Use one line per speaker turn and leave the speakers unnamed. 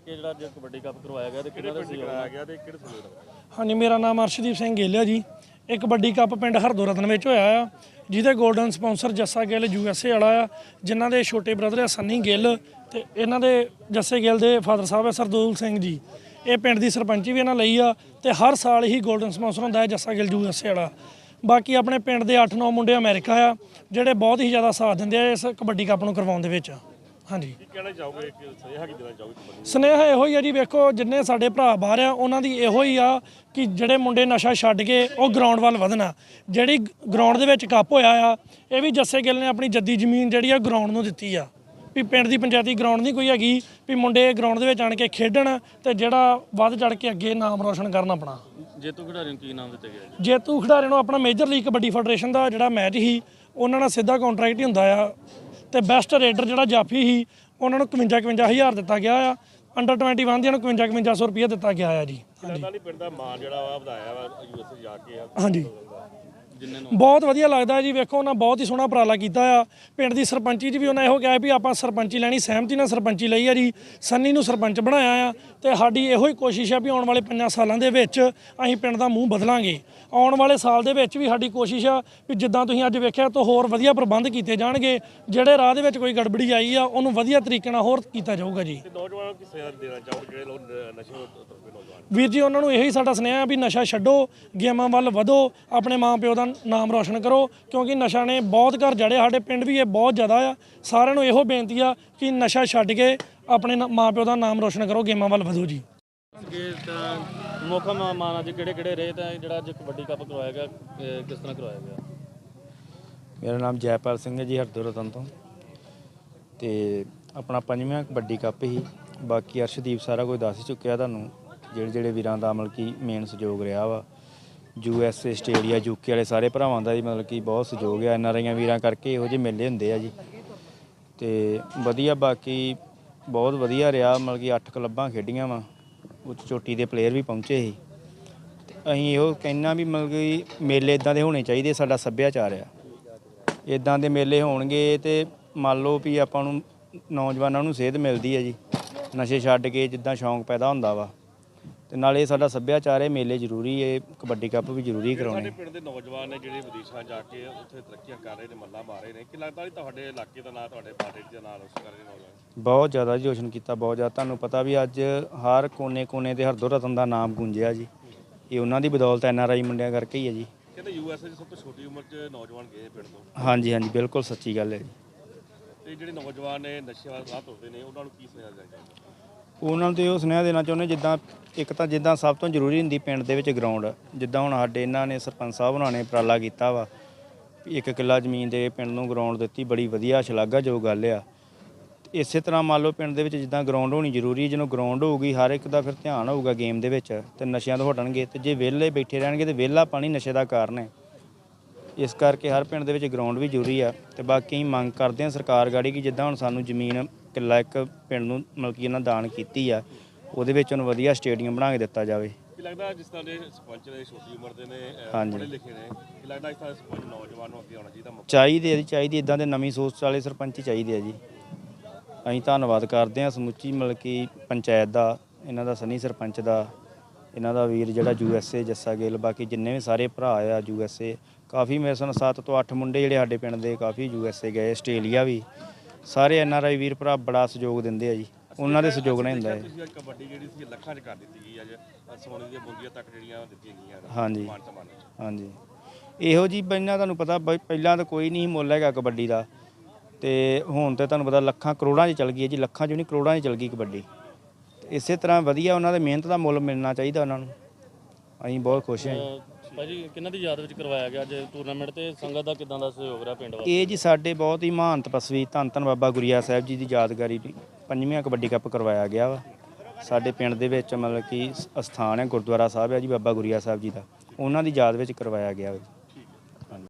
ਕੇ ਜਿਹੜਾ ਅੱਜ ਕਬੱਡੀ ਕੱਪ ਕਰਵਾਇਆ ਗਿਆ ਤੇ ਕਿਹੜਾ ਦਾ ਕਰਵਾਇਆ ਗਿਆ ਤੇ ਕਿਹੜੇ ਸੂਬੇ ਦਾ?
ਹਾਂਜੀ, ਮੇਰਾ ਨਾਮ ਅਰਸ਼ਦੀਪ ਸਿੰਘ ਗਿੱਲ ਹੈ ਜੀ। ਇਹ ਕਬੱਡੀ ਕੱਪ ਪਿੰਡ ਹਰਦੋ ਰਤਨ ਵਿੱਚ ਹੋਇਆ ਆ, ਜਿਹਦੇ golden sponsor Jassa Gill USA ਵਾਲਾ ਆ, ਜਿਨ੍ਹਾਂ ਦੇ ਛੋਟੇ ਬ੍ਰਦਰ ਆ ਸੰਨੀ ਗਿੱਲ ਤੇ ਇਹਨਾਂ ਦੇ ਜੱਸੇ ਗਿੱਲ ਦੇ ਫਾਦਰ ਸਾਹਿਬ ਹੈ ਸਰਦੂਲ ਸਿੰਘ ਜੀ। ਇਹ ਪਿੰਡ ਦੀ ਸਰਪੰਚੀ ਵੀ ਇਹਨਾਂ ਲਈ ਆ ਤੇ ਹਰ ਸਾਲ ਹੀ ਗੋਲਡਨ ਸਪਾਂਸਰ ਹੁੰਦਾ ਹੈ ਜੱਸਾ ਗਿੱਲ USA ਵਾਲਾ। ਬਾਕੀ ਆਪਣੇ ਪਿੰਡ ਦੇ 8-9 ਮੁੰਡੇ ਅਮਰੀਕਾ ਆ, ਜਿਹੜੇ ਬਹੁਤ ਹੀ ਜ਼ਿਆਦਾ ਸਾਥ ਦਿੰਦੇ ਆ ਇਸ ਕਬੱਡੀ ਕੱਪ ਨੂੰ ਕਰਵਾਉਣ ਦੇ ਵਿੱਚ। ਹਾਂਜੀ,
ਕੀ ਕਹਿਣਾ ਚਾਹੋਗੇ, ਸੁਨੇਹਾ ਕੀ ਦੇਣਾ ਚਾਹੋਗੇ ਕਬੱਡੀ?
ਸੁਨੇਹਾ ਇਹੋ ਹੀ ਆ ਜੀ, ਵੇਖੋ ਜਿੰਨੇ ਸਾਡੇ ਭਰਾ ਬਾਹਰ ਆ ਉਹਨਾਂ ਦੀ ਇਹੋ ਹੀ ਆ ਕਿ ਜਿਹੜੇ ਮੁੰਡੇ ਨਸ਼ਾ ਛੱਡ ਕੇ ਉਹ ਗਰਾਊਂਡ ਵੱਲ ਵਧਣਾ। ਜਿਹੜੀ ਗਰਾਊਂਡ ਦੇ ਵਿੱਚ ਕੱਪ ਹੋਇਆ ਆ, ਇਹ ਵੀ ਜੱਸੇ ਗਿੱਲ ਨੇ ਆਪਣੀ ਜੱਦੀ ਜ਼ਮੀਨ ਜਿਹੜੀ ਆ ਗਰਾਊਂਡ ਨੂੰ ਦਿੱਤੀ ਆ। ਵੀ ਪਿੰਡ ਦੀ ਪੰਚਾਇਤੀ ਗਰਾਊਂਡ ਨਹੀਂ ਕੋਈ ਹੈਗੀ, ਵੀ ਮੁੰਡੇ ਗਰਾਊਂਡ ਦੇ ਵਿੱਚ ਆਣ ਕੇ ਖੇਡਣ ਤੇ ਜਿਹੜਾ ਵੱਧ ਚੜ ਕੇ ਅੱਗੇ ਨਾਮ ਰੋਸ਼ਨ ਕਰਨ ਆਪਣਾ।
ਜੇਤੂ ਖਿਡਾਰੀ ਨੂੰ ਕੀ ਨਾਮ ਦਿੱਤਾ ਗਿਆ?
ਜੇਤੂ ਖਿਡਾਰੀ ਨੂੰ ਆਪਣਾ ਮੇਜਰ ਲੀਗ ਕਬੱਡੀ ਫੈਡਰੇਸ਼ਨ ਦਾ ਜਿਹੜਾ ਮੈਚ ਸੀ ਉਹਨਾਂ ਨਾਲ ਸਿੱਧਾ ਕੰਟਰੈਕਟ ਹੀ ਹੁੰਦਾ ਆ, ਤੇ ਬੈਸਟ ਰੇਡਰ ਜਿਹੜਾ ਜਾਫੀ ਸੀ ਉਹਨਾਂ ਨੂੰ 55,000 ਦਿੱਤਾ ਗਿਆ ਆ। ਅੰਡਰ 21 ਦੀਆਂ ਨੂੰ 55,500 ਰੁਪਏ ਦਿੱਤਾ ਗਿਆ ਆ ਜੀ।
ਹਾਂਜੀ, ਪਿੰਡ ਦਾ ਮਾਣ ਜਿਹੜਾ ਵਾ ਵਧਾਇਆ ਵਾ USA ਜਾ ਕੇ।
ਹਾਂਜੀ, ਬਹੁਤ ਵਧੀਆ ਲੱਗਦਾ ਜੀ। ਵੇਖੋ ਉਹਨਾਂ ਬਹੁਤ ਹੀ ਸੋਹਣਾ ਉਪਰਾਲਾ ਕੀਤਾ ਆ। ਪਿੰਡ ਦੀ ਸਰਪੰਚੀ 'ਚ ਵੀ ਉਹਨਾਂ ਇਹੋ ਕਿਹਾ ਵੀ ਆਪਾਂ ਸਰਪੰਚੀ ਲੈਣੀ, ਸਹਿਮਤੀ ਨਾਲ ਸਰਪੰਚੀ ਲਈ ਆ ਜੀ। ਸੰਨੀ ਨੂੰ ਸਰਪੰਚ ਬਣਾਇਆ ਆ ਤੇ ਸਾਡੀ ਇਹੋ ਹੀ ਕੋਸ਼ਿਸ਼ ਆ ਵੀ ਆਉਣ ਵਾਲੇ 5 ਸਾਲਾਂ ਦੇ ਵਿੱਚ ਅਸੀਂ ਪਿੰਡ ਦਾ ਮੂੰਹ ਬਦਲਾਂਗੇ। ਆਉਣ ਵਾਲੇ ਸਾਲ ਦੇ ਵਿੱਚ ਵੀ ਸਾਡੀ ਕੋਸ਼ਿਸ਼ ਆ ਵੀ ਜਿੱਦਾਂ ਤੁਸੀਂ ਅੱਜ ਵੇਖਿਆ ਤਾਂ ਹੋਰ ਵਧੀਆ ਪ੍ਰਬੰਧ ਕੀਤੇ ਜਾਣਗੇ। ਜਿਹੜੇ ਰਾਹ ਦੇ ਵਿੱਚ ਕੋਈ ਗੜਬੜੀ ਆਈ ਆ ਉਹਨੂੰ ਵਧੀਆ ਤਰੀਕੇ ਨਾਲ ਹੋਰ ਕੀਤਾ ਜਾਊਗਾ ਜੀ।
ਨੌਜਵਾਨਾਂ ਨੂੰ ਕੀ ਸੁਨੇਹਾ ਦੇਣਾ ਚਾਹੋਗੇ ਜਿਹੜੇ ਲੋਕ ਨਸ਼ੇ ਨੌਜਵਾਨ?
ਵੀਰ ਜੀ, ਉਹਨਾਂ ਨੂੰ ਇਹੀ ਸਾਡਾ ਸੁਨੇਹਾ ਵੀ ਨਸ਼ਾ ਛੱਡੋ, ਗੇਮਾਂ ਵੱਲ ਵਧੋ, ਆਪਣੇ ਮਾਂ ਪਿਓ ਦਾ ਨਾਮ ਰੋਸ਼ਨ ਕਰੋ, ਕਿਉਂਕਿ ਨਸ਼ਾ ਨੇ ਬਹੁਤ ਘਰ ਜੜੇ। ਸਾਡੇ ਪਿੰਡ ਵੀ ਇਹ ਬਹੁਤ ਜ਼ਿਆਦਾ ਆ। ਸਾਰਿਆਂ ਨੂੰ ਇਹੋ ਬੇਨਤੀ ਆ ਕਿ ਨਸ਼ਾ ਛੱਡ ਕੇ ਆਪਣੇ ਮਾਂ ਪਿਓ ਦਾ ਨਾਮ ਰੋਸ਼ਨ ਕਰੋ, ਗੇਮਾਂ ਵੱਲ ਵਧੋ ਜੀ।
ਮੌਕਾ ਮਾਨ ਅੱਜ ਕਿਹੜੇ ਰਹੇ ਤਾਂ ਜਿਹੜਾ ਅੱਜ ਕਬੱਡੀ ਕੱਪ ਕਰਵਾਇਆ ਗਿਆ, ਕਿਸ ਤਰ੍ਹਾਂ ਕਰਵਾਇਆ ਗਿਆ?
ਮੇਰਾ ਨਾਮ ਜੈਪਾਲ ਸਿੰਘ ਹੈ ਜੀ, ਹਰਦੋ ਰਤਨ ਤੋਂ। ਤੇ ਆਪਣਾ 5ਵਾਂ ਕਬੱਡੀ ਕੱਪ ਹੀ। ਬਾਕੀ ਅਰਸ਼ਦੀਪ ਸਾਰਾ ਕੁਝ ਦੱਸ ਚੁੱਕਿਆ ਤੁਹਾਨੂੰ, ਜਿਹੜੇ ਵੀਰਾਂ ਦਾ ਮਤਲਬ ਕਿ ਮੇਨ ਸਹਿਯੋਗ ਰਿਹਾ ਵਾ। USA, ਆਸਟ੍ਰੇਲੀਆ, UK ਵਾਲੇ ਸਾਰੇ ਭਰਾਵਾਂ ਦਾ ਜੀ ਮਤਲਬ ਕਿ ਬਹੁਤ ਸਹਿਯੋਗ ਹੈ। NRI ਵੀਰਾਂ ਕਰਕੇ ਇਹੋ ਜਿਹੇ ਮੇਲੇ ਹੁੰਦੇ ਆ ਜੀ। ਤੇ ਵਧੀਆ, ਬਾਕੀ ਬਹੁਤ ਵਧੀਆ ਰਿਹਾ। ਮਤਲਬ ਕਿ 8 ਕਲੱਬਾਂ ਖੇਡੀਆਂ ਵਾ, ਉੱਚ ਚੋਟੀ ਦੇ ਪਲੇਅਰ ਵੀ ਪਹੁੰਚੇ ਸੀ। ਤੇ ਅਸੀਂ ਇਹੋ ਕਹਿਣਾ ਵੀ ਮਤਲਬ ਕਿ ਮੇਲੇ ਇਦਾਂ ਦੇ ਹੋਣੇ ਚਾਹੀਦੇ। ਸਾਡਾ ਸੱਭਿਆਚਾਰ ਆ, ਇਦਾਂ ਦੇ ਮੇਲੇ ਹੋਣਗੇ ਤੇ ਮੰਨ ਲਓ ਵੀ ਆਪਾਂ ਨੂੰ ਨੌਜਵਾਨਾਂ ਨੂੰ ਸੇਧ ਮਿਲਦੀ ਹੈ ਜੀ। ਨਸ਼ੇ ਛੱਡ ਕੇ ਜਿੱਦਾਂ ਸ਼ੌਂਕ ਪੈਦਾ ਹੁੰਦਾ ਵਾ, ਤੇ ਨਾਲੇ ਸਾਡਾ ਸੱਭਿਆਚਾਰ ਹੈ। ਮੇਲੇ ਜ਼ਰੂਰੀ ਹੈ, ਕਬੱਡੀ ਕੱਪ ਵੀ ਜ਼ਰੂਰੀ ਕਰਾਉਣੇ।
ਸਾਡੇ ਪਿੰਡ ਦੇ ਨੌਜਵਾਨ ਨੇ ਜਿਹੜੇ ਵਿਦੇਸ਼ਾਂ ਜਾ ਕੇ ਉੱਥੇ ਤਰੱਕੀਆਂ ਕਰ ਰਹੇ ਨੇ, ਮੱਲਾਂ ਮਾਰ ਰਹੇ ਨੇ, ਕਿ ਲੱਗਦਾ ਤੁਹਾਡੇ ਇਲਾਕੇ ਦਾ ਨਾਂ, ਤੁਹਾਡੇ ਪਾਰਟੀ ਦਾ ਨਾਂ ਰੋਸ਼ਨ ਕਰ ਰਹੇ ਨੌਜਵਾਨ?
ਬਹੁਤ ਜ਼ਿਆਦਾ ਜੀ ਰੋਸ਼ਨ ਕੀਤਾ, ਬਹੁਤ ਜ਼ਿਆਦਾ। ਤੁਹਾਨੂੰ ਪਤਾ ਵੀ ਅੱਜ ਹਰ ਕੋਨੇ ਤੇ ਹਰਦੋ ਰਤਨ ਦਾ ਨਾਮ ਗੂੰਜਿਆ ਜੀ। ਇਹ ਉਹਨਾਂ ਦੀ ਬਦੌਲਤ NRI ਮੁੰਡਿਆਂ ਕਰਕੇ ਹੀ ਹੈ ਜੀ।
ਕਹਿੰਦੇ USA 'ਚ ਸਭ ਤੋਂ ਛੋਟੀ ਉਮਰ 'ਚ ਨੌਜਵਾਨ ਗਏ ਪਿੰਡ ਤੋਂ।
ਹਾਂਜੀ, ਬਿਲਕੁਲ ਸੱਚੀ ਗੱਲ ਹੈ ਜੀ।
ਤੇ ਜਿਹੜੇ ਨੌਜਵਾਨ ਨੇ ਨਸ਼ੇ ਵੱਲ ਰਾਹ ਤੁਰਦੇ ਨੇ, ਉਹਨਾਂ ਨੂੰ ਕੀ ਸੁਨੇਹਾ ਦੇਣਾ ਚਾਹੀਦਾ?
ਉਹਨਾਂ ਨੂੰ ਤੇ ਉਹ ਸੁਨੇਹਾ ਦੇਣਾ ਚਾਹੁੰਦੇ, ਜਿੱਦਾਂ ਇੱਕ ਤਾਂ ਜਿੱਦਾਂ ਸਭ ਤੋਂ ਜ਼ਰੂਰੀ ਹੁੰਦੀ ਪਿੰਡ ਦੇ ਵਿੱਚ ਗਰਾਊਂਡ। ਜਿੱਦਾਂ ਹੁਣ ਸਾਡੇ ਇਹਨਾਂ ਨੇ ਸਰਪੰਚ ਸਾਹਿਬ ਉਹਨਾਂ ਨੇ ਉਪਰਾਲਾ ਕੀਤਾ ਵਾ, 1 ਕਿੱਲਾ ਜ਼ਮੀਨ ਦੇ ਪਿੰਡ ਨੂੰ ਗਰਾਊਂਡ ਦਿੱਤੀ, ਬੜੀ ਵਧੀਆ ਸ਼ਲਾਘਾਯੋਗ ਗੱਲ ਆ। ਇਸੇ ਤਰ੍ਹਾਂ ਮੰਨ ਲਓ ਪਿੰਡ ਦੇ ਵਿੱਚ ਜਿੱਦਾਂ ਗਰਾਊਂਡ ਹੋਣੀ ਜ਼ਰੂਰੀ। ਜਦੋਂ ਗਰਾਊਂਡ ਹੋਊਗੀ ਹਰ ਇੱਕ ਦਾ ਫਿਰ ਧਿਆਨ ਹੋਊਗਾ ਗੇਮ ਦੇ ਵਿੱਚ, ਤੇ ਨਸ਼ਿਆਂ ਤੋਂ ਹਟਣਗੇ। ਤੇ ਜੇ ਵਿਹਲੇ ਬੈਠੇ ਰਹਿਣਗੇ ਤੇ ਵਿਹਲਾ ਪਾਣੀ ਨਸ਼ੇ ਦਾ ਕਾਰਨ ਹੈ। ਇਸ ਕਰਕੇ ਹਰ ਪਿੰਡ ਦੇ ਵਿੱਚ ਗਰਾਊਂਡ ਵੀ ਜ਼ਰੂਰੀ ਆ। ਤੇ ਬਾਕੀ ਅਸੀਂ ਮੰਗ ਕਰਦੇ ਹਾਂ ਸਰਕਾਰ ਗਾੜੀ ਕਿ ਜਿੱਦਾਂ ਹੁਣ ਸਾਨੂੰ ਜ਼ਮੀਨ ਕਿੱਲਾ ਇੱਕ ਪਿੰਡ ਨੂੰ ਮਤਲਬ ਕਿ ਇਹਨਾਂ ਦਾਨ ਕੀਤੀ ਆ, ਉਹਦੇ ਵਿੱਚ ਉਹਨੂੰ ਵਧੀਆ ਸਟੇਡੀਅਮ ਬਣਾ ਕੇ ਦਿੱਤਾ ਜਾਵੇ।
ਕੀ ਲੱਗਦਾ ਜਿਸ ਤਰ੍ਹਾਂ ਦੇ ਸਰਪੰਚ ਨੇ ਛੋਟੀ ਉਮਰ ਦੇ ਨੇ, ਪੜ੍ਹੇ ਲਿਖੇ ਨੇ, ਕੀ ਲੱਗਦਾ ਇਸ ਤਰ੍ਹਾਂ ਸਰਪੰਚ ਨੌਜਵਾਨ ਨੂੰ ਅੱਗੇ ਆਉਣਾ ਚਾਹੀਦਾ?
ਚਾਹੀਦੀ ਇਦਾਂ ਦੇ ਨਵੀਂ ਸੋਚ ਵਾਲੇ ਸਰਪੰਚ ਚਾਹੀਦੇ ਆ ਜੀ। ਅਸੀਂ ਧੰਨਵਾਦ ਕਰਦੇ ਹਾਂ ਸਮੁੱਚੀ ਮਤਲਬ ਕਿ ਪੰਚਾਇਤ ਦਾ, ਇਹਨਾਂ ਦਾ ਸੰਨੀ ਸਰਪੰਚ ਦਾ, ਇਹਨਾਂ ਦਾ ਵੀਰ ਜਿਹੜਾ USA ਜੱਸਾ ਗਿੱਲ, ਬਾਕੀ ਜਿੰਨੇ ਵੀ ਸਾਰੇ ਭਰਾ ਆ USA। ਕਾਫੀ ਮੇਰੇ ਸਾਨ 7 ਤੋਂ 8 ਮੁੰਡੇ ਜਿਹੜੇ ਸਾਡੇ ਪਿੰਡ ਦੇ ਕਾਫੀ USA ਗਏ, ਆਸਟ੍ਰੇਲੀਆ ਵੀ। ਸਾਰੇ NRI ਵੀਰ ਭਰਾ ਬੜਾ ਸਹਿਯੋਗ ਦਿੰਦੇ ਆ ਜੀ, ਉਹਨਾਂ ਦੇ ਸਹਿਯੋਗ ਨਾਲ ਹੁੰਦਾ ਹੈ।
ਕਬੱਡੀ ਜਿਹੜੀ ਸੀ ਲੱਖਾਂ 'ਚ ਕਰ ਦਿੱਤੀ ਗਈ ਅੱਜ, ਸੋਨੇ ਦੀਆਂ ਬੁੰਦੀਆਂ ਤੱਕ ਜਿਹੜੀਆਂ ਦਿੱਤੀਆਂ ਗਈਆਂ।
ਹਾਂਜੀ, ਇਹੋ ਜੀ ਪਹਿਲਾਂ ਤੁਹਾਨੂੰ ਪਤਾ ਪਹਿਲਾਂ ਤਾਂ ਕੋਈ ਨਹੀਂ ਮੁੱਲ ਹੈਗਾ ਕਬੱਡੀ ਦਾ, ਤੇ ਹੁਣ ਤੇ ਤੁਹਾਨੂੰ ਪਤਾ ਲੱਖਾਂ ਕਰੋੜਾਂ 'ਚ ਚੱਲ ਗਈ ਹੈ ਜੀ। ਲੱਖਾਂ 'ਚ ਨਹੀਂ ਕਰੋੜਾਂ 'ਚ ਚੱਲ ਗਈ ਕਬੱਡੀ। ਇਸੇ ਤਰ੍ਹਾਂ ਵਧੀਆ ਉਹਨਾਂ ਦੇ ਮਿਹਨਤ ਦਾ ਮੁੱਲ ਮਿਲਣਾ ਚਾਹੀਦਾ ਉਹਨਾਂ ਨੂੰ। ਅਸੀਂ ਬਹੁਤ ਖੁਸ਼ ਹਾਂ ਜੀ।
ਭਾਜੀ ਕਿਹਨਾਂ ਦੀ ਯਾਦ ਵਿੱਚ ਕਰਵਾਇਆ ਗਿਆ ਅੱਜ ਟੂਰਨਾਮੈਂਟ, ਤੇ ਸੰਗਤ ਦਾ ਕਿਦਾਂ ਦਾ ਸਹਿਯੋਗ ਰਿਹਾ ਪਿੰਡ ਵਾਸਤੇ?
ਇਹ ਜੀ ਸਾਡੇ ਬਹੁਤ ਹੀ ਮਹਾਨ ਤਪਸਵੀ ਧੰਨ ਬਾਬਾ ਗੁਰੀਆ ਸਾਹਿਬ ਜੀ ਦੀ ਯਾਦਗਾਰੀ 5ਵਾਂ ਕਬੱਡੀ ਕੱਪ ਕਰਵਾਇਆ ਗਿਆ ਵਾ। ਸਾਡੇ ਪਿੰਡ ਦੇ ਵਿੱਚ ਮਤਲਬ ਕਿ ਅਸਥਾਨ ਹੈ, ਗੁਰਦੁਆਰਾ ਸਾਹਿਬ ਹੈ ਜੀ ਬਾਬਾ ਗੁਰੀਆ ਸਾਹਿਬ ਜੀ ਦਾ, ਉਹਨਾਂ ਦੀ ਯਾਦ ਵਿੱਚ ਕਰਵਾਇਆ ਗਿਆ ਵਾ।